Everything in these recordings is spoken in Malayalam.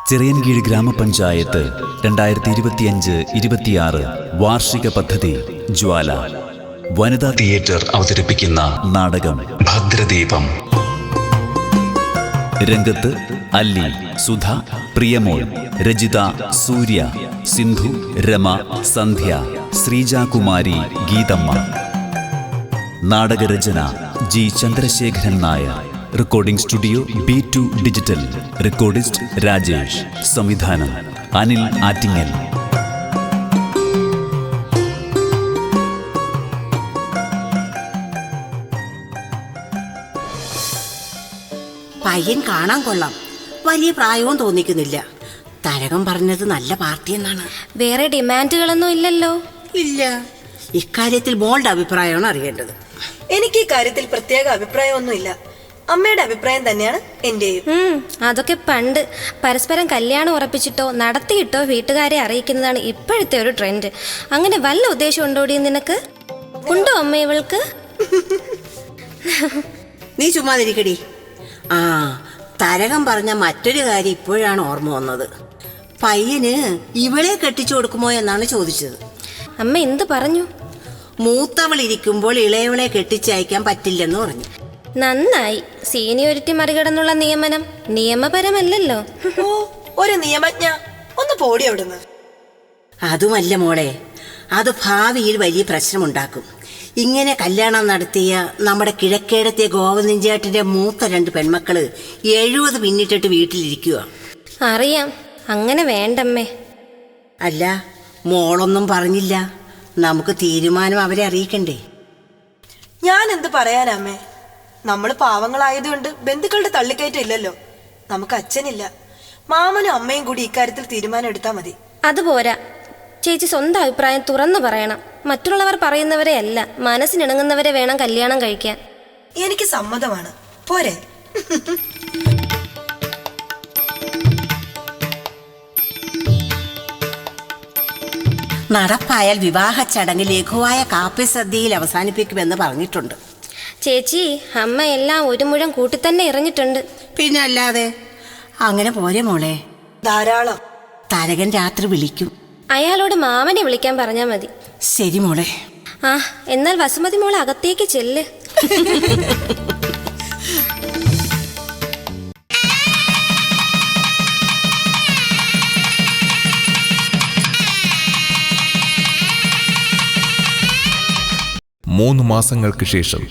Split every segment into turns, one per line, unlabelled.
ചിറയൻകീഴ് ഗ്രാമപഞ്ചായത്ത് 2025-26 വാർഷിക പദ്ധതി ജ്വാല വനിതാ തിയേറ്റർ അവതരിപ്പിക്കുന്ന നാടകം ഭദ്രദീപം. രംഗത്ത് അല്ലി, സുധ, പ്രിയമോൾ, രജിത, സൂര്യ, സിന്ധു, രമ, സന്ധ്യ, ശ്രീജാകുമാരി, ഗീതമ്മ. നാടകരചന G Chandrasekharan Nair. Recording studio B2 digital. Recordist Rajesh. സംവിധാനം അനിൽ ആറ്റിങ്ങൽ.
പയ്യൻ കാണാൻ കൊള്ളാം, വലിയ പ്രായവും തോന്നിക്കുന്നില്ല. തരകം പറഞ്ഞത് നല്ല പാർട്ടി എന്നാണ്.
വേറെ ഡിമാൻഡുകളൊന്നും ഇല്ലല്ലോ?
ഇല്ല. ഇക്കാര്യത്തിൽ മോളുടെ അഭിപ്രായമാണ് അറിയേണ്ടത്.
എനിക്ക് ഈ കാര്യത്തിൽ പ്രത്യേക അഭിപ്രായമൊന്നുമില്ല. അമ്മയുടെ അഭിപ്രായം തന്നെയാണ് എന്റെയും.
അതൊക്കെ പണ്ട് പരസ്പരം കല്യാണം ഉറപ്പിച്ചിട്ടോ നടത്തിയിട്ടോ വീട്ടുകാരെ അറിയിക്കുന്നതാണ് ഇപ്പോഴത്തെ ഒരു ട്രെൻഡ്. അങ്ങനെ വല്ല ഉദ്ദേശം ഉണ്ടോടി നിനക്ക്? ഉണ്ടോ അമ്മ ഇവൾക്ക്?
നീ ചുമ്മാതിരിക്കടി. ആ, തരകം പറഞ്ഞ മറ്റൊരു കാര്യം ഇപ്പോഴാണ് ഓർമ്മ വന്നത്. പയ്യന് ഇവളെ കെട്ടിച്ചു കൊടുക്കുമോ എന്നാണ് ചോദിച്ചത്.
അമ്മ എന്ത് പറഞ്ഞു?
മൂത്തവളിരിക്കുമ്പോൾ ഇളയവളെ കെട്ടിച്ചയക്കാൻ പറ്റില്ലെന്ന് പറഞ്ഞു.
നന്നായി. സീനിയോരിറ്റി മറികടന്നുള്ള നിയമനം നിയമപരമല്ലല്ലോ.
ഓ, ഒരു നിയമജ്ഞ. ഒന്ന് പോടി അവിടുന്ന്.
അതുമല്ല മോളെ, അത് ഭാവിയിൽ വലിയ പ്രശ്നമുണ്ടാക്കും. ഇങ്ങനെ കല്യാണം നടത്തിയ നമ്മുടെ കിഴക്കേടത്തെ ഗോവിന്ദൻചേട്ടന്റെ മൂത്ത 2 പെൺമക്കള് 70 പിന്നിട്ടിട്ട് വീട്ടിലിരിക്കുക.
അറിയാം, അങ്ങനെ വേണ്ടമ്മേ.
അല്ല, മോളൊന്നും പറഞ്ഞില്ല. നമുക്ക് തീരുമാനം അവരെ അറിയിക്കണ്ടേ?
ഞാൻ എന്ത് പറയാനമ്മേ? നമ്മള് പാവങ്ങളായതുകൊണ്ട് ബന്ധുക്കളുടെ തള്ളിക്കയറ്റം ഇല്ലല്ലോ. നമുക്ക് അച്ഛനില്ല. മാമനും അമ്മയും കൂടി ഇക്കാര്യത്തിൽ തീരുമാനം എടുത്താൽ മതി.
അതുപോരാ ചേച്ചി, സ്വന്തം അഭിപ്രായം തുറന്നു പറയണം. മറ്റുള്ളവർ പറയുന്നവരെ അല്ല, മനസ്സിനിണങ്ങുന്നവരെ വേണം കല്യാണം കഴിക്കാൻ.
എനിക്ക് സമ്മതമാണ്. പോരെ?
നടപ്പായാൽ വിവാഹ ചടങ്ങ് ലഘുവായ കാപ്പി സദ്യയിൽ അവസാനിപ്പിക്കുമെന്ന് പറഞ്ഞിട്ടുണ്ട്.
ചേച്ചി, അമ്മ എല്ലാം ഒരു മുഴം കൂട്ടി തന്നെ എറിഞ്ഞിട്ടുണ്ട്.
പിന്നെ അല്ലാതെ. അങ്ങനെ പോരെ മോളെ?
ധാരാളം.
തരകൻ രാത്രി വിളിക്കും.
അയാളോട് മാമനെ വിളിക്കാൻ പറഞ്ഞാൽ മതി.
ശരി മോളെ.
ആ, എന്നാൽ വസുമതി മോൾ അകത്തേക്ക് ചെല്ല്.
മൂന്ന് മാസങ്ങൾക്ക് ശേഷം.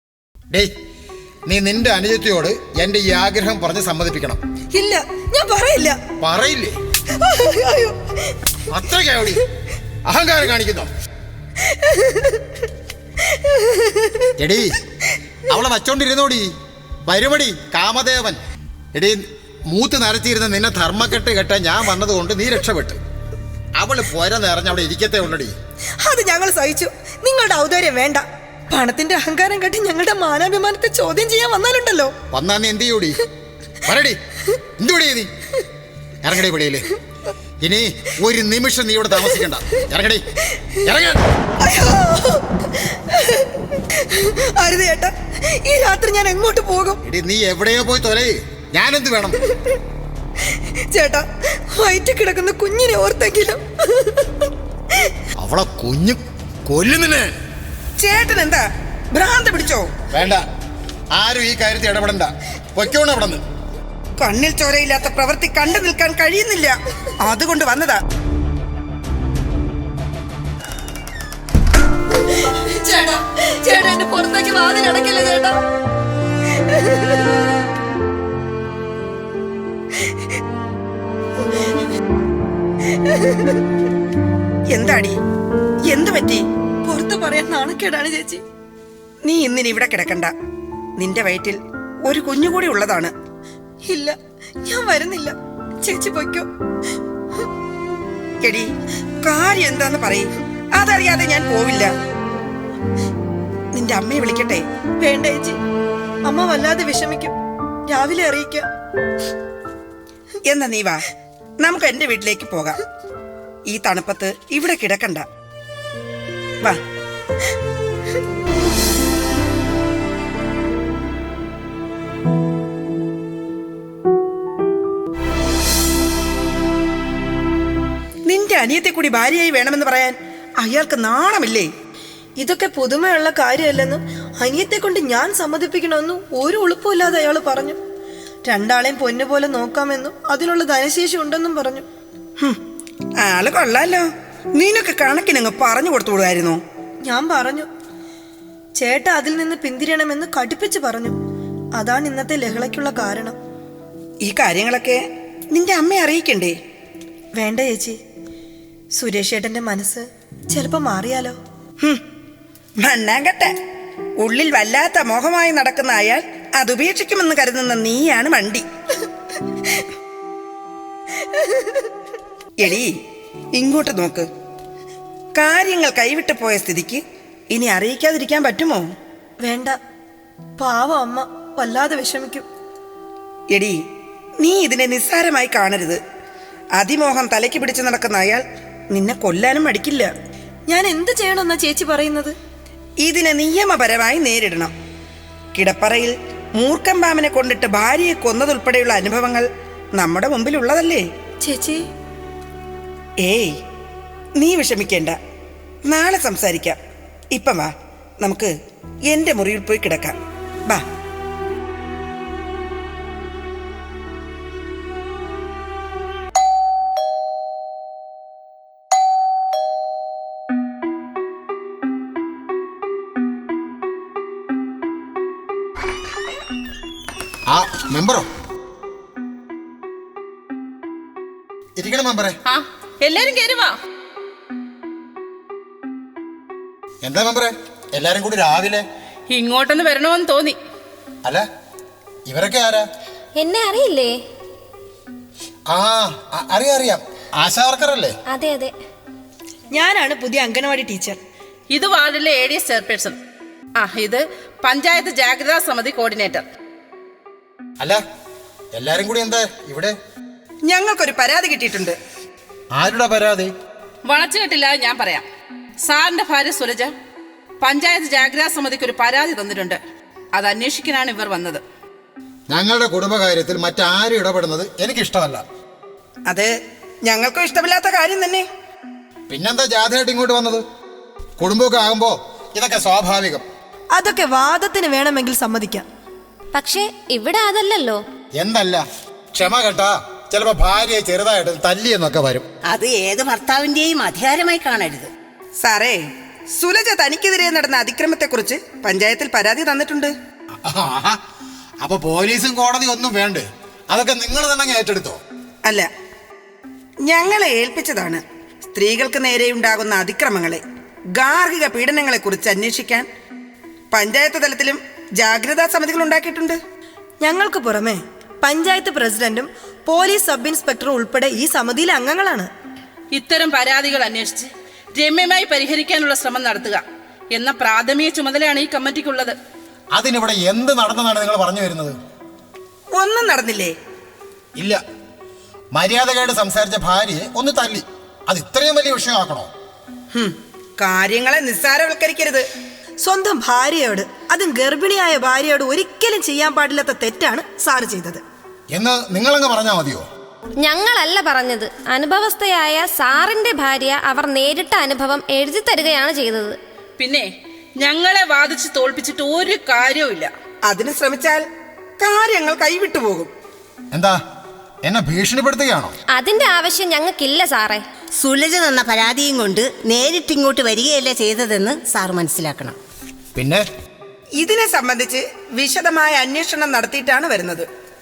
നീ നിന്റെ അനുജത്തിയോട് എന്റെ ഈ ആഗ്രഹം പറഞ്ഞ് സമ്മതിപ്പിക്കണം.
ഇല്ല, ഞാൻ പറയില്ല.
പറയില്ലേ? അത്രയ്ക്കോടി അഹങ്കാരം കാണിക്കുന്നു. എടീ, അവളെ വച്ചോണ്ടിരുന്നോടി. വരുമടി കാമദേവൻ. എടീ, മൂത്ത് നരച്ചിരുന്ന നിന്നെ ധർമ്മക്കെട്ട് കെട്ടാൻ ഞാൻ വന്നതുകൊണ്ട് നീ രക്ഷപ്പെട്ടു. അവള് പോര നിറഞ്ഞ അവിടെ ഇരിക്കത്തേ ഉള്ളടി.
അത് ഞങ്ങൾ സഹിച്ചു. നിങ്ങളുടെ ഔദാര്യം വേണ്ട. പണത്തിന്റെ അഹങ്കാരം കെട്ടി ഞങ്ങളുടെ മാനാഭിമാനത്തെ ചോദ്യം ചെയ്യാൻ വന്നാലുണ്ടല്ലോ.
വന്നാ നീ എന്ത് ചെയ്യൂടി? പറയടി, എന്തുപടി നീ? ഇറങ്ങടി പടിയില്. ഇനി ഒരു നിമിഷം നീ ഇവിടെ താമസിക്കണ്ട. ഇറങ്ങടി, ഇറങ്ങ.
അരുത് ചേട്ടാ, ഈ രാത്രി ഞാൻ എങ്ങോട്ട് പോകും?
എടി, നീ എവിടെയോ പോയി തൊലേ. ഞാനെന്ത് വേണം?
ചേട്ടാ, വയറ്റിൽ കിടക്കുന്ന കുഞ്ഞിനെ ഓർത്തെങ്കിലും.
അവളെ കുഞ്ഞു കൊല്ലുന്നില്ലേ?
ചേട്ടൻ എന്താ ഭ്രാന്ത് പിടിച്ചോ?
വേണ്ട, ആരും ഈ കാര്യത്തിൽ ഇടപെടണ്ട. പൊയ്ക്കോണം അവിടെ നിന്ന്.
കണ്ണിൽ ചോരയില്ലാത്ത പ്രവൃത്തി കണ്ടു നിൽക്കാൻ കഴിയുന്നില്ല, അതുകൊണ്ട് വന്നതാ. ചേട്ടാ, ചേട്ടാ, എന്റെ പുറത്തേക്ക് വാതിലടക്കില്ല ചേട്ടാ. എന്താടി, എന്തു പറ്റി? പുറത്ത് പറയാൻ നാണക്കേടാണ് ചേച്ചി. നീ ഇന്നിനി ഇവിടെ കിടക്കണ്ട. നിന്റെ വയറ്റിൽ ഒരു കുഞ്ഞുകൂടി ഉള്ളതാണ്. ഇല്ല, ഞാൻ വരുന്നില്ല. ചേച്ചി പൊയ്ക്കോ. എടി, കാര്യം എന്താന്ന് പറയും. അതറിയാതെ ഞാൻ പോവില്ല. നിന്റെ അമ്മയെ വിളിക്കട്ടെ? വേണ്ട ചേച്ചി, അമ്മ വല്ലാതെ വിഷമിക്കും. രാവിലെ അറിയിക്കാം. എന്നാ നീ വാ, നമുക്ക് എന്റെ വീട്ടിലേക്ക് പോകാം. ഈ തണുപ്പത്ത് ഇവിടെ കിടക്കണ്ട. വാ. അനിയത്തെ കൂടി ഭാര്യയായി വേണമെന്ന് പറയാൻ അയാൾക്ക് നാണമില്ലേ?
ഇതൊക്കെ പുതുമയുള്ള കാര്യമല്ലെന്നും അനിയത്തെ കൊണ്ട് ഞാൻ സമ്മതിപ്പിക്കണമെന്നും ഒരു ഉളുപ്പമില്ലാതെ അയാൾ പറഞ്ഞു. രണ്ടാളെയും പൊന്നുപോലെ നോക്കാമെന്നും അതിനുള്ള ധനശേഷി ഉണ്ടെന്നും പറഞ്ഞു.
ആള് കൊള്ളാലോ. നീനൊക്കെ കണക്കിനങ്ങ് പറഞ്ഞു കൊടുത്തുകൂടായിരുന്നോ?
ഞാൻ പറഞ്ഞു, ചേട്ട അതിൽ നിന്ന് പിന്തിരിയണമെന്ന് കടുപ്പിച്ച് പറഞ്ഞു. അതാണ് ഇന്നത്തെ ലഹളയ്ക്കുള്ള കാരണം.
ഈ കാര്യങ്ങളൊക്കെ നിന്റെ അമ്മയെ അറിയിക്കണ്ടേ?
വേണ്ട ചേച്ചി, സുരേഷ് ചേട്ടന്റെ മനസ്സ് ചിലപ്പോ മാറിയാലോ.
മണ്ണാങ്കട്ടെ, ഉള്ളിൽ വല്ലാത്ത മോഹമായി നടക്കുന്ന അയാൾ അതുപേക്ഷിക്കുമെന്ന് കരുതുന്ന നീയാണ് വണ്ടി. എടീ, ഇങ്ങോട്ട് നോക്ക്. കാര്യങ്ങൾ കൈവിട്ട് പോയ സ്ഥിതിക്ക് ഇനി അറിയിക്കാതിരിക്കാൻ പറ്റുമോ?
വേണ്ട, പാവം അമ്മ വല്ലാതെ വിഷമിക്കും.
എടീ, നീ ഇതിനെ നിസ്സാരമായി കാണരുത്. അതിമോഹം തലയ്ക്ക് പിടിച്ചു നടക്കുന്ന അയാൾ നിന്നെ കൊല്ലാനും മടിക്കില്ല.
ഞാൻ എന്ത് ചെയ്യണമെന്നാ ചേച്ചി പറയുന്നത്?
ഇതിനെ നിയമപരമായി നേരിടണം. കിടപ്പറയിൽ മൂർഖൻ പാമ്പിനെ കൊണ്ടിട്ട് ഭാര്യയെ കൊന്നതുൾപ്പെടെയുള്ള അനുഭവങ്ങൾ നമ്മുടെ മുമ്പിലുള്ളതല്ലേ
ചേച്ചി?
ഏയ്, നീ വിഷമിക്കേണ്ട. നാളെ സംസാരിക്കാം. ഇപ്പം വാ, നമുക്ക് എന്റെ മുറിയിൽ പോയി കിടക്കാം. വാ.
ആ മെമ്പറോ? ഇരിക്കണം മെമ്പറെ.
എല്ലാരും കേറുവാ.
എന്താ മെമ്പറെ എല്ലാരും കൂടി രാവിലെ?
ഇങ്ങോട്ടൊന്ന് വരണമെന്ന് തോന്നി.
അല്ല, ഇവരൊക്കെ ആരാ?
എന്നെ അറിയില്ലേ?
ആ അറിയാം, ആശാവർക്കറല്ലേ?
അതെ അതെ,
ഞാനാണ് പുതിയ അംഗനവാടി ടീച്ചർ.
ഇത് വാർഡിലെ ADS ചെയർപേഴ്സൺ. ഇത് പഞ്ചായത്ത് ജാഗ്രതാ സമിതി കോർഡിനേറ്റർ.
അല്ല, എല്ലാരും കൂടി എന്താ ഇവിടെ?
ഞങ്ങൾക്കൊരു പരാതി കിട്ടിയിട്ടുണ്ട്.
ആരുടെ പരാതി?
വളച്ചുകെട്ടില്ലാതെ ഞാൻ പറയാം. സാറിന്റെ ഭാര്യ സുരജ പഞ്ചായത്ത് ജാഗ്രതാ സമിതിക്ക് ഒരു പരാതി തന്നിട്ടുണ്ട്. അത് അന്വേഷിക്കാനാണ് ഇവർ വന്നത്.
ഞങ്ങളുടെ കുടുംബകാര്യത്തിൽ മറ്റാരും ഇടപെടുന്നത് എനിക്കിഷ്ടമല്ല.
അത് ഞങ്ങൾക്കും ഇഷ്ടമില്ലാത്ത കാര്യം തന്നെ.
പിന്നെന്താ ജാഥയായിട്ട് ഇങ്ങോട്ട് വന്നത്? കുടുംബമൊക്കെ ആകുമ്പോ ഇതൊക്കെ സ്വാഭാവികം.
അതൊക്കെ വാദത്തിന് വേണമെങ്കിൽ സമ്മതിക്കാം.
പക്ഷേ ഇവിടെ അതല്ലല്ലോ.
എന്തല്ല, ക്ഷമ കേട്ടാ ചിലപ്പോ ഭാര്യയെ ചെറുതായിട്ട് തല്ലിയെന്നൊക്കെ വരും.
അത് ഏത് ഭർത്താവിന്റെയും അധികാരമായി കാണരുത്.
സാറേ, സുലജ തനിക്കെതിരെ നടന്ന അതിക്രമത്തെക്കുറിച്ച് പഞ്ചായത്തിൽ പരാതി തന്നിട്ടുണ്ട്.
ആഹാ, അപ്പൊ പോലീസും കോടതി ഒന്നും വേണ്ടേ? അതൊക്കെ നിങ്ങൾ തന്നെ ഏറ്റെടുത്തോ?
അല്ല, ഞങ്ങളെ ഏൽപ്പിച്ചതാണ്. സ്ത്രീകൾക്ക് നേരെയുണ്ടാകുന്ന അതിക്രമങ്ങളെ, ഗാർഹിക പീഡനങ്ങളെ കുറിച്ച് അന്വേഷിക്കാൻ പഞ്ചായത്ത് തലത്തിലും ജാഗ്രതാ സമിതികൾ ഉണ്ടാക്കിയിട്ടുണ്ട്.
ഞങ്ങൾക്ക് പുറമെ പഞ്ചായത്ത് പ്രസിഡന്റും പോലീസ് സബ് ഇൻസ്പെക്ടറും ഉൾപ്പെടെ ഈ സമിതിയിലെ അംഗങ്ങളാണ്.
ഇത്തരം പരാതികൾ അന്വേഷിച്ച് രമ്യമായി പരിഹരിക്കാനുള്ള ശ്രമം നടത്തുക എന്ന പ്രാഥമിക ചുമതലയാണ് ഈ കമ്മിറ്റിക്കുള്ളത്.
അതിനിവിടെ എന്ത് നടന്നെന്നാണ് നിങ്ങൾ പറഞ്ഞു വരുന്നത്?
ഒന്നും നടന്നില്ലേ?
ഇല്ല, മര്യാദകേട് സംസാരിച്ച ഭാര്യയെ ഒന്ന് തല്ലി. അത് ഇത്രയും വലിയ വിഷയമാക്കണോ?
കാര്യങ്ങളെ നിസ്സാരവൽക്കരിക്കരുത്.
സ്വന്തം ഭാര്യയോട്, അതും ഗർഭിണിയായ ഭാര്യയോട് ഒരിക്കലും ചെയ്യാൻ പാടില്ലാത്ത തെറ്റാണ് സാറ് ചെയ്തത്
എന്ന് നിങ്ങളങ്ങ് പറഞ്ഞാൽ മതിയോ?
ഞങ്ങളല്ല പറഞ്ഞത്. അനുഭവസ്ഥയായ സാറിന്റെ ഭാര്യ അവർ നേരിട്ട അനുഭവം എഴുതി തരികയാണ് ചെയ്തത്.
പിന്നെ ഞങ്ങളെ വാദിച്ച് തോൽപ്പിച്ചിട്ട് ഒരു കാര്യവുമില്ല.
അതിന് ശ്രമിച്ചാൽ കാര്യങ്ങൾ കൈവിട്ടു പോകും.
എന്താ, എന്നെ ഭീഷണിപ്പെടുത്തുകയാണോ?
അതിന്റെ ആവശ്യം ഞങ്ങൾക്കില്ല സാറേ.
സുലജ തന്ന പരാതിയും കൊണ്ട് നേരിട്ടിങ്ങോട്ട് വരികയല്ല ചെയ്തതെന്ന് സാർ മനസ്സിലാക്കണം.
പിന്നെ
ഇതിനെ സംബന്ധിച്ച് വിശദമായ അന്വേഷണം നടത്തിയിട്ടാണ് വരുന്നത്.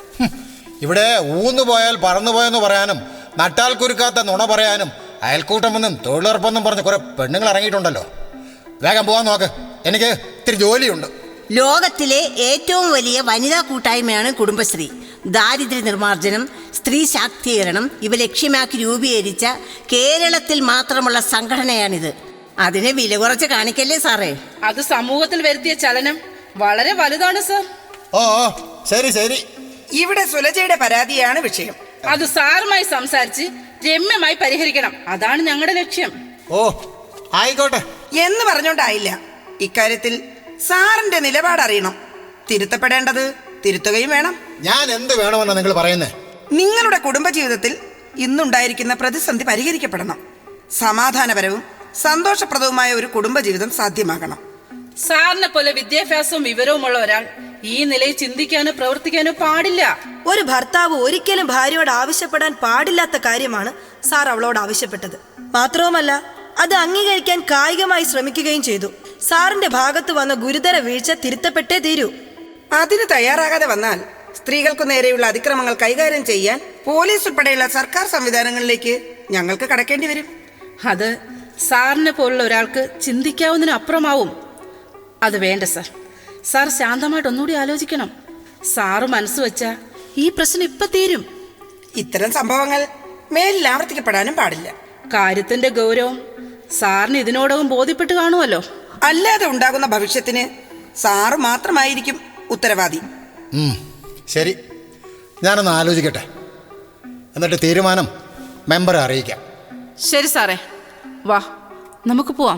ഇവിടെ ഊന്നുപോയാൽ പറന്നുപോയെന്ന് പറയാനും നട്ടാൽ കുരുക്കാത്ത നുണ പറയാനും അയൽക്കൂട്ടമെന്നും തൊഴിലുറപ്പെന്നും പറഞ്ഞ് കുറെ പെണ്ണുങ്ങൾ ഇറങ്ങിയിട്ടുണ്ടല്ലോ. വേഗം പോകാൻ നോക്ക്, എനിക്ക് ഇത്തിരി ജോലിയുണ്ട്.
ലോകത്തിലെ ഏറ്റവും വലിയ വനിതാ കൂട്ടായ്മയാണ് കുടുംബശ്രീ. ദാരിദ്ര്യ നിർമ്മാർജ്ജനം, സ്ത്രീ ശാക്തീകരണം ഇവ ലക്ഷ്യമാക്കി രൂപീകരിച്ച കേരളത്തിൽ മാത്രമുള്ള സംഘടനയാണിത്. അതിനെ വില കുറച്ച് കാണിക്കല്ലേ സാറേ?
അത് സമൂഹത്തിൽ വരുത്തിയ ചലനം വളരെ വലുതാണ് സാർ.
ഓ ശരി ശരി.
ഇവിടെ സുലജയുടെ പരാതിയാണ് വിഷയം.
അത് സാറുമായി സംസാരിച്ച് രമ്യമായി പരിഹരിക്കണം. അതാണ് ഞങ്ങളുടെ ലക്ഷ്യം.
ഓ ആയിക്കോട്ടെ
എന്ന് പറഞ്ഞോണ്ടായില്ല. ഇക്കാര്യത്തിൽ സാറിന്റെ നിലപാട് അറിയണം. തിരുത്തപ്പെടേണ്ടത് തിരുത്തുകയും വേണം.
ഞാൻ എന്ത് വേണമെന്നാ നിങ്ങൾ പറയുന്നേ?
നിങ്ങളുടെ കുടുംബജീവിതത്തിൽ ഇന്നുണ്ടായിരിക്കുന്ന പ്രതിസന്ധി പരിഹരിക്കപ്പെടണം. സമാധാനപരവും സന്തോഷപ്രദവുമായ ഒരു കുടുംബജീവിതം സാധ്യമാകണം.
സാറിനെ പോലെ വിദ്യാഭ്യാസവും വിവരവുമുള്ള ഒരാൾ ഈ നിലയിൽ ചിന്തിക്കാനോ പ്രവർത്തിക്കാനോ പാടില്ല.
ഒരു ഭർത്താവ് ഒരിക്കലും ഭാര്യയോട് ആവശ്യപ്പെടാൻ പാടില്ലാത്ത കാര്യമാണ് സാർ അവളോട് ആവശ്യപ്പെട്ടത്. മാത്രവുമല്ല, അത് അംഗീകരിക്കാൻ കായികമായി ശ്രമിക്കുകയും ചെയ്തു. സാറിന്റെ ഭാഗത്ത് വന്ന ഗുരുതര വീഴ്ച തിരുത്തപ്പെട്ടേ തീരൂ.
അതിന് തയ്യാറാകാതെ വന്നാൽ സ്ത്രീകൾക്കു നേരെയുള്ള അതിക്രമങ്ങൾ കൈകാര്യം ചെയ്യാൻ പോലീസ് ഉൾപ്പെടെയുള്ള സർക്കാർ സംവിധാനങ്ങളിലേക്ക് ഞങ്ങൾക്ക് കടക്കേണ്ടി വരും.
അത് സാറിനെ പോലുള്ള ഒരാൾക്ക് ചിന്തിക്കാവുന്നതിന് അപ്പുറമാവും. അത് വേണ്ട സാർ. സാർ ശാന്തമായിട്ട് ഒന്നുകൂടി ആലോചിക്കണം. സാറ് മനസ്സ് വെച്ചാൽ ഈ പ്രശ്നം ഇപ്പം തീരും.
ഇത്തരം സംഭവങ്ങൾ മേലിൽ ആവർത്തിക്കപ്പെടാനും പാടില്ല.
കാര്യത്തിന്റെ ഗൗരവം സാറിന് ഇതിനോടകം ബോധ്യപ്പെട്ട് കാണുമല്ലോ.
അല്ലാതെ ഉണ്ടാകുന്ന ഭവിഷ്യത്തിന് സാറ് മാത്രമായിരിക്കും ഉത്തരവാദി.
ശരി, ഞാനൊന്ന് ആലോചിക്കട്ടെ. എന്നിട്ട് തീരുമാനം മെമ്പറെ അറിയിക്കാം.
ശരി സാറേ, വാ നമുക്ക് പോവാം.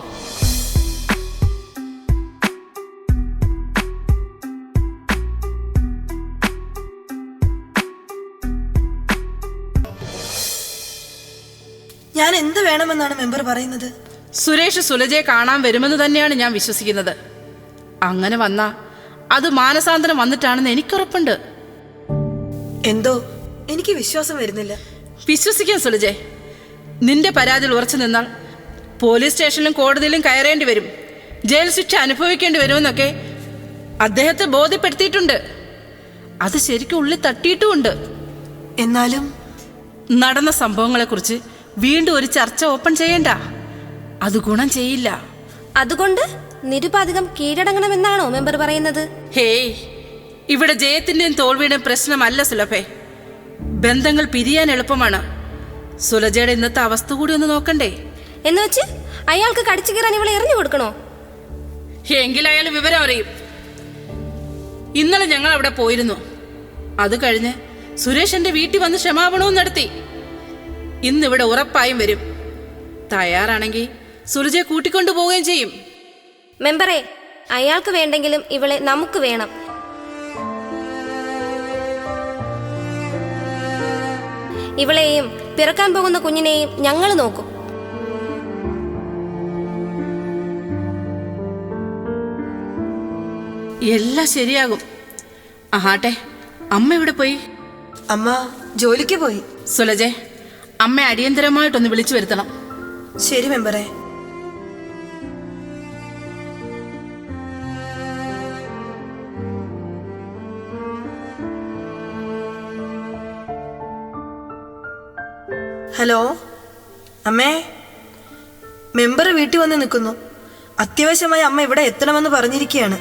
ഞാൻ എന്ത് വേണമെന്നാണ് മെമ്പർ പറയുന്നത്?
സുരേഷ് സുലജയെ കാണാൻ വരുമെന്ന് തന്നെയാണ് ഞാൻ വിശ്വസിക്കുന്നത്. അങ്ങനെ വന്നാ അത് മാനസാന്തരം വന്നിട്ടാണെന്ന് എനിക്കുറപ്പുണ്ട്.
എന്തോ എനിക്ക് വിശ്വാസം വരുന്നില്ല.
വിശ്വസിക്കാൻ സുലജെ, നിന്റെ പരാതിയിൽ ഉറച്ചു നിന്നാൽ പോലീസ് സ്റ്റേഷനിലും കോടതിയിലും കയറേണ്ടി വരും, ജയിൽ ശിക്ഷ അനുഭവിക്കേണ്ടി വരുമെന്നൊക്കെ അദ്ദേഹത്തെ ബോധ്യപ്പെടുത്തിയിട്ടുണ്ട്. അത് ശരിക്കും ഉള്ളിൽ തട്ടിയിട്ടുമുണ്ട്.
എന്നാലും
നടന്ന സംഭവങ്ങളെക്കുറിച്ച് വീണ്ടും ഒരു ചർച്ച ഓപ്പൺ ചെയ്യണ്ട. അത് ഗുണം ചെയ്യില്ല.
അതുകൊണ്ട് നിരുപാധികം കീഴടങ്ങണമെന്നാണോ മെമ്പർ പറയുന്നത്?
ഹേയ്, ഇവിടെ ജയത്തിന്റെയും തോൽവിയുടെയും പ്രശ്നമല്ല സുലഭേ. ബന്ധങ്ങൾ പിരിയാൻ എളുപ്പമാണ്. സുലജയുടെ ഇന്നത്തെ അവസ്ഥ കൂടി ഒന്ന് നോക്കണ്ടേ?
എന്ന് വെച്ച് അയാൾക്ക് കടിച്ചു കയറാൻ ഇവളെ എറിഞ്ഞു കൊടുക്കണോ?
എങ്കിൽ അയാൾ വിവരം അറിയും. ഇന്നലെ ഞങ്ങൾ അവിടെ പോയിരുന്നു. അത് കഴിഞ്ഞ് സുരേഷ് എന്റെ വീട്ടിൽ വന്ന് ക്ഷമാപണവും നടത്തി. ഇന്നിവിടെ ഉറപ്പായും വരും. തയ്യാറാണെങ്കിൽ സുലജയെ കൂട്ടിക്കൊണ്ടു പോവുകയും ചെയ്യും.
മെമ്പറെ, അയാൾക്ക് വേണ്ടെങ്കിലും ഇവളെ നമുക്ക് വേണം. ഇവളെയും പിറക്കാൻ പോകുന്ന കുഞ്ഞിനെയും ഞങ്ങൾ നോക്കും.
എല്ലാം ശരിയാകും. ആട്ടെ, അമ്മ ഇവിടെ പോയി?
അമ്മ ജോലിക്ക് പോയി.
സുലജെ, അമ്മ അടിയന്തരമായിട്ടൊന്ന് വിളിച്ചു വരുത്തണം.
ശരി മെമ്പറെ. ഹലോ അമ്മേ, മെമ്പർ വീട്ടിൽ വന്ന് നിൽക്കുന്നു. അത്യാവശ്യമായി അമ്മ ഇവിടെ എത്തണമെന്ന് പറഞ്ഞിരിക്കുകയാണ്.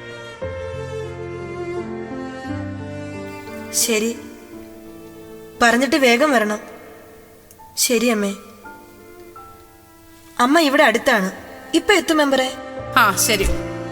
ശരി, പറഞ്ഞിട്ട് വേഗം വരണം. ശരി അമ്മേ. അമ്മ ഇവിടെ അടുത്താണ്, ഇപ്പൊ എത്തും മെമ്പറെ.
ആ ശരി.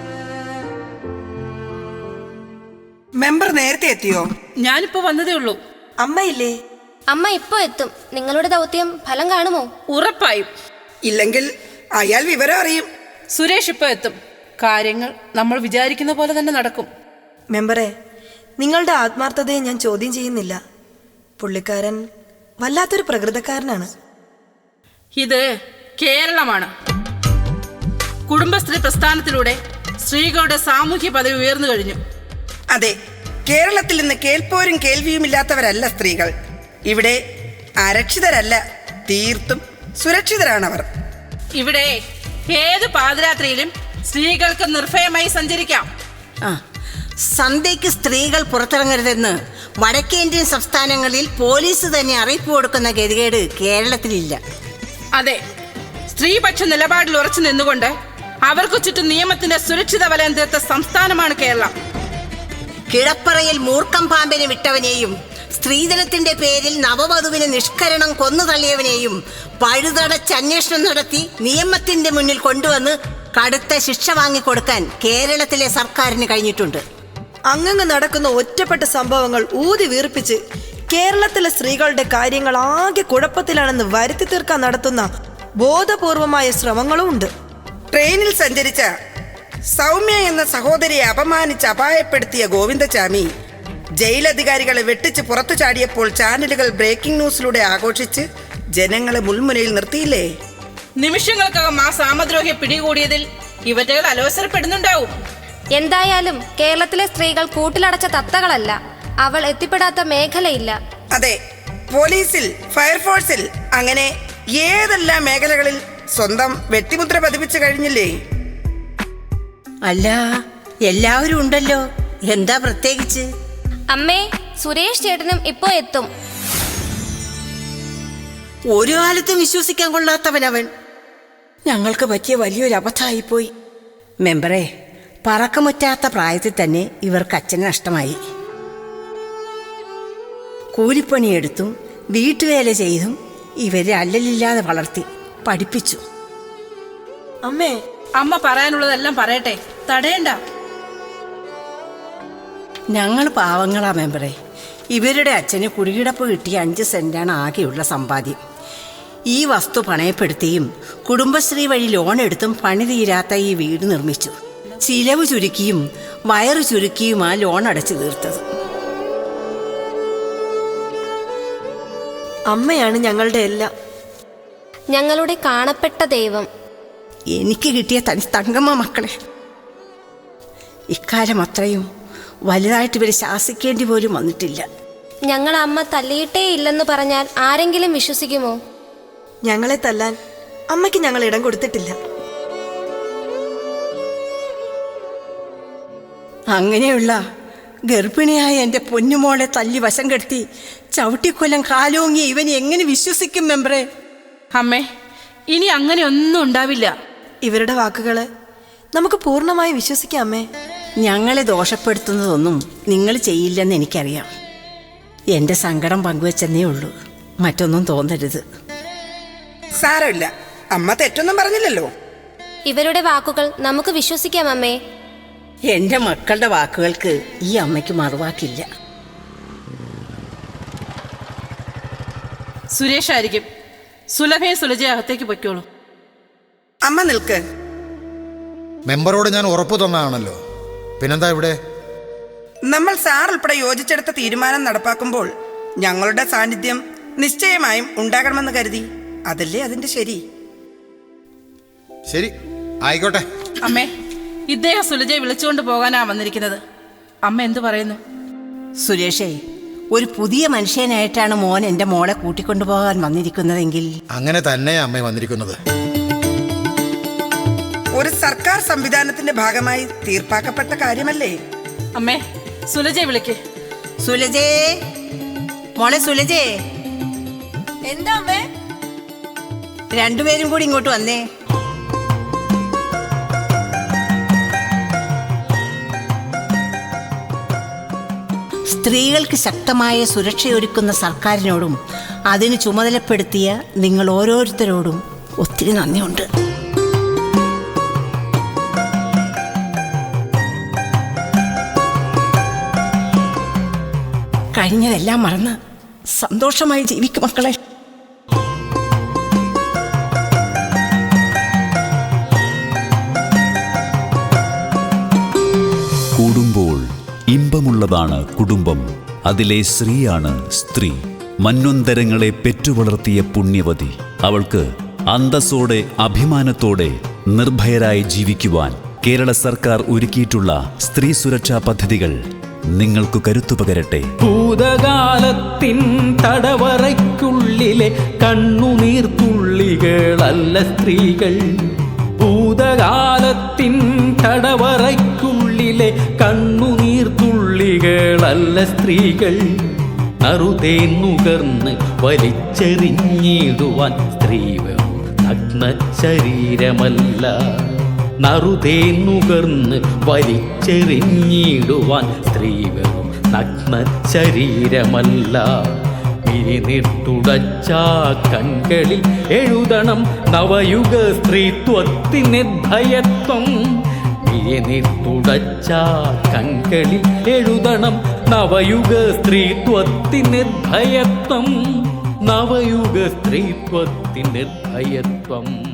മെമ്പർ നേരത്തെ എത്തിയോ?
ഞാനിപ്പോ വന്നതേ ഉള്ളൂ.
അമ്മയില്ലേ?
അമ്മ ഇപ്പോ എത്തും. നിങ്ങളുടെ ദൗത്യം ഫലം കാണുമോ?
ഉറപ്പായും.
ഇല്ലെങ്കിൽ അയാൾ വിവരം അറിയും.
സുരേഷ് ഇപ്പൊ എത്തും. കാര്യങ്ങൾ നമ്മൾ വിചാരിക്കുന്ന പോലെ തന്നെ നടക്കും.
മെമ്പറെ, നിങ്ങളുടെ ആത്മാർത്ഥതയെ ഞാൻ ചോദ്യം ചെയ്യുന്നില്ല. പുള്ളിക്കാരൻ വല്ലാത്തൊരു പ്രകൃതക്കാരനാണ്.
ഇത് കേരളമാണ്. കുടുംബശ്രീ പ്രസ്ഥാനത്തിലൂടെ സ്ത്രീകളുടെ സാമൂഹ്യ പദവി ഉയർന്നു കഴിഞ്ഞു.
അതെ, കേരളത്തിൽ നിന്ന് കേൾപ്പോരും കേൾവിയുമില്ലാത്തവരല്ല സ്ത്രീകൾ. ഇവിടെ അരക്ഷിതരല്ല, തീർത്തും സുരക്ഷിതരാണവർ.
ഇവിടെ ഏത് പാതിരാത്രിയിലും സ്ത്രീകൾക്ക് നിർഭയമായി സഞ്ചരിക്കാം.
സന്ധ്യയ്ക്ക് സ്ത്രീകൾ പുറത്തിറങ്ങരുതെന്ന് വടക്കേന്ത്യൻ സംസ്ഥാനങ്ങളിൽ പോലീസ് തന്നെ അറിയിപ്പ് കൊടുക്കുന്ന ഗതികേട് കേരളത്തിലില്ല.
അതെ, സ്ത്രീപക്ഷ നിലപാടിൽ ഉറച്ചു നിന്നുകൊണ്ട് അവർക്ക് ചുറ്റും നിയമത്തിന്റെ സുരക്ഷിത വലയം തീർത്ത സംസ്ഥാനമാണ് കേരളം.
കിടപ്പറയിൽ മൂർക്കം പാമ്പിനെ വിട്ടവനെയും സ്ത്രീധനത്തിന്റെ പേരിൽ നവവധുവിനെ നിഷ്കരണം കൊന്നു തള്ളിയവനെയും പഴുതടച്ച് അന്വേഷണം നടത്തി നിയമത്തിന്റെ മുന്നിൽ കൊണ്ടുവന്ന് കടുത്ത ശിക്ഷ വാങ്ങിക്കൊടുക്കാൻ കേരളത്തിലെ സർക്കാരിന് കഴിഞ്ഞിട്ടുണ്ട്.
അങ്ങ് നടക്കുന്ന ഒറ്റപ്പെട്ട സംഭവങ്ങൾ ഊതി വീർപ്പിച്ച് കേരളത്തിലെ സ്ത്രീകളുടെ കാര്യങ്ങൾ ആകെ കുഴപ്പത്തിലാണെന്ന് വരുത്തി തീർക്കാൻ നടത്തുന്ന ബോധപൂർവമായ ശ്രമങ്ങളും ഉണ്ട്.
ട്രെയിനിൽ സഞ്ചരിച്ച സൗമ്യ എന്ന സഹോദരിയെ അപമാനിച്ച് അപായപ്പെടുത്തിയ ഗോവിന്ദചാമി ജയിലധികാരികളെ വെട്ടിച്ച് പുറത്തു ചാടിയപ്പോൾ ചാനലുകൾ ബ്രേക്കിംഗ് ന്യൂസിലൂടെ ആഘോഷിച്ച് ജനങ്ങളെ മുൾമുനയിൽ നിർത്തിയില്ലേ?
നിമിഷങ്ങൾക്കകം ആ സാമദ്രോഹിയെ പിടികൂടിയതിൽ ഇവറ്റകൾ അലോസരപ്പെടുന്നുണ്ടാവും.
എന്തായാലും കേരളത്തിലെ സ്ത്രീകൾ കൂട്ടിലടച്ച തത്തകളല്ല. അവൾ എത്തിപ്പെടാത്ത മേഖലയില്ല.
അതെ, പോലീസിൽ, ഫയർഫോഴ്സിൽ, അങ്ങനെ ഏതെല്ലാം മേഖലകളിൽ സ്വന്തം വ്യക്തിമുദ്ര പതിപ്പിച്ചു കഴിഞ്ഞില്ലേ?
അല്ല, എല്ലാവരും ഉണ്ടല്ലോ. എന്താ പ്രത്യേകിച്ച്?
അമ്മേ, സുരേഷ് ചേട്ടനും ഇപ്പോ എത്തും.
ഒരു കാലത്തും വിശ്വസിക്കാൻ കൊള്ളാത്തവനവൻ. ഞങ്ങൾക്ക് പറ്റിയ വലിയൊരു അബദ്ധമായിപ്പോയി. മെമ്പറെ, പറക്കമുറ്റാത്ത പ്രായത്തിൽ തന്നെ ഇവർക്ക് അച്ഛനെ നഷ്ടമായി. കൂലിപ്പണിയെടുത്തും വീട്ടുവേല ചെയ്തും ഇവരെ അല്ലലില്ലാതെ വളർത്തി പഠിപ്പിച്ചു.
അമ്മേ,
അമ്മ പറയാനുള്ളതെല്ലാം പറയട്ടെ, തടയണ്ട.
ഞങ്ങൾ പാവങ്ങളാ മെമ്പറെ. ഇവരുടെ അച്ഛന് കുടികിടപ്പ് കിട്ടിയ 5 സെന്റാണ് ആകെയുള്ള സമ്പാദ്യം. ഈ വസ്തു പണയപ്പെടുത്തിയും കുടുംബശ്രീ വഴി ലോൺ എടുത്തും പണി തീരാത്ത ഈ വീട് നിർമ്മിച്ചു. ചിലവ് ചുരുക്കിയും വയറ് ചുരുക്കിയും ആ ലോൺ അടച്ചു തീർത്തത്.
അമ്മയാണ് ഞങ്ങളുടെ എല്ലാം.
ഞങ്ങളുടെ കാണപ്പെട്ട ദൈവം.
എനിക്ക് കിട്ടിയ തങ്കമ്മ മക്കളെ. ഇക്കാലം അത്രയും വലുതായിട്ട് ഇവരെ ശാസിക്കേണ്ടി പോലും വന്നിട്ടില്ല.
ഞങ്ങൾ അമ്മ തല്ലിയിട്ടേ ഇല്ലെന്ന് പറഞ്ഞാൽ ആരെങ്കിലും വിശ്വസിക്കുമോ?
ഞങ്ങളെ തല്ലാൻ അമ്മയ്ക്ക് ഞങ്ങൾ ഇടം കൊടുത്തിട്ടില്ല.
അങ്ങനെയുള്ള ഗർഭിണിയായ എൻ്റെ പൊന്നുമോളെ തല്ലി വശം കെടുത്തി ചവിട്ടിക്കൊല്ലം കാലോങ്ങി ഇവൻ എങ്ങനെ വിശ്വസിക്കും മെമ്പറെ?
അമ്മേ, ഇനി അങ്ങനെ ഒന്നും ഉണ്ടാവില്ല.
ഇവരുടെ വാക്കുകളെ നമുക്ക് പൂർണ്ണമായി വിശ്വസിക്കാം അമ്മേ.
ഞങ്ങളെ ദോഷപ്പെടുത്തുന്നതൊന്നും നിങ്ങൾ ചെയ്യില്ലെന്ന് എനിക്കറിയാം. എൻ്റെ സങ്കടം പങ്കുവെച്ചെന്നേ ഉള്ളൂ, മറ്റൊന്നും തോന്നരുത്.
സാരമില്ല, അമ്മ തെറ്റൊന്നും പറഞ്ഞില്ലല്ലോ.
ഇവരുടെ വാക്കുകൾ നമുക്ക് വിശ്വസിക്കാം അമ്മേ.
എൻ്റെ മക്കളുടെ വാക്കുകൾക്ക് ഈ അമ്മയ്ക്ക് മറുവാക്കില്ല.
സുരേഷായിരിക്കും. സുലഭയെ സുലജയെ അകത്തേക്ക് പൊയ്ക്കോളൂ.
അമ്മ നിൽക്ക്.
മെമ്പറോട് ഞാൻ ഉറപ്പു തന്നതാണല്ലോ, പിന്നെന്താ ഇവിടെ?
നമ്മൾ സാർ ഉൾപ്പെടെ യോജിച്ചെടുത്ത തീരുമാനം നടപ്പാക്കുമ്പോൾ ഞങ്ങളുടെ സാന്നിധ്യം നിശ്ചയമായും ഉണ്ടാകണമെന്ന് കരുതി. അതല്ലേ അതിന്റെ ശരി.
ശരി, ആയിക്കോട്ടെ.
അമ്മേ, ഇദ്ദേഹം സുലജയെ വിളിച്ചുകൊണ്ട് പോകാനാ വന്നിരിക്കുന്നത്. അമ്മ എന്തു പറയുന്നു?
സുരേഷേ, ഒരു പുതിയ മനുഷ്യനായിട്ടാണ് മോൻ എൻ്റെ മോളെ കൂട്ടിക്കൊണ്ടുപോകാൻ വന്നിരിക്കുന്നതെങ്കിൽ
അങ്ങനെ തന്നെ അമ്മ വന്നിരിക്കുന്നത്.
ഒരു സർക്കാർ സംവിധാനത്തിന്റെ ഭാഗമായി തീർപ്പാക്കപ്പെട്ട കാര്യമല്ലേ?
അമ്മേ, സുലജയെ വിളിക്ക്.
സുലജേ, മോളെ സുലജേ.
എന്താ അമ്മേ?
രണ്ടുപേരും കൂടി ഇങ്ങോട്ട് വന്നേ. സ്ത്രീകൾക്ക് ശക്തമായ സുരക്ഷയൊരുക്കുന്ന സർക്കാരിനോടും അതിന് ചുമതലപ്പെടുത്തിയ നിങ്ങൾ ഓരോരുത്തരോടും ഒത്തിരി നന്ദിയുണ്ട്. കഴിഞ്ഞതെല്ലാം മറന്ന് സന്തോഷമായി ജീവിക്കും മക്കളെ.
കൂടുമ്പോൾ ഇമ്പമുള്ളതാണ് കുടുംബം. അതിലെ സ്ത്രീയാണ് സ്ത്രീ. മന്വന്തരങ്ങളെ പെറ്റുവളർത്തിയ പുണ്യവതി. അവൾക്ക് അന്തസ്സോടെ അഭിമാനത്തോടെ നിർഭയരായി ജീവിക്കുവാൻ കേരള സർക്കാർ ഒരുക്കിയിട്ടുള്ള സ്ത്രീ സുരക്ഷാ പദ്ധതികൾ നിങ്ങൾക്ക് കരുത്തുപകരട്ടെ.
ഭൂതകാലത്തിൻ തടവറയ്ക്കുള്ളിലെ കണ്ണുനീർത്തുള്ളികളല്ല സ്ത്രീകൾ. ഭൂതകാലത്തിൻ തടവറയ്ക്കുള്ളിലെ കണ്ണുനീർത്തുള്ളികളല്ല സ്ത്രീകൾ. അറുതേൻ നുകർന്ന് വലിച്ചെറിഞ്ഞിടുവാൻ സ്ത്രീ നഗ്ന ശരീരമല്ല. നറുതേൻ നുകർന്ന് വലിച്ചെറിഞ്ഞിടുവാൻ സ്ത്രീ വെറും നഗ്ന ശരീരമല്ല. പിരിനിട്ടുടച്ച കൺകളിൽ എഴുതണം നവയുഗ സ്ത്രീത്വത്തിന് ഭയത്വം. പിരിനിട്ടുടച്ച കൺകളിൽ എഴുതണം നവയുഗ സ്ത്രീത്വത്തിന് ഭയത്വം. നവയുഗ സ്ത്രീത്വത്തിന് ഭയത്വം.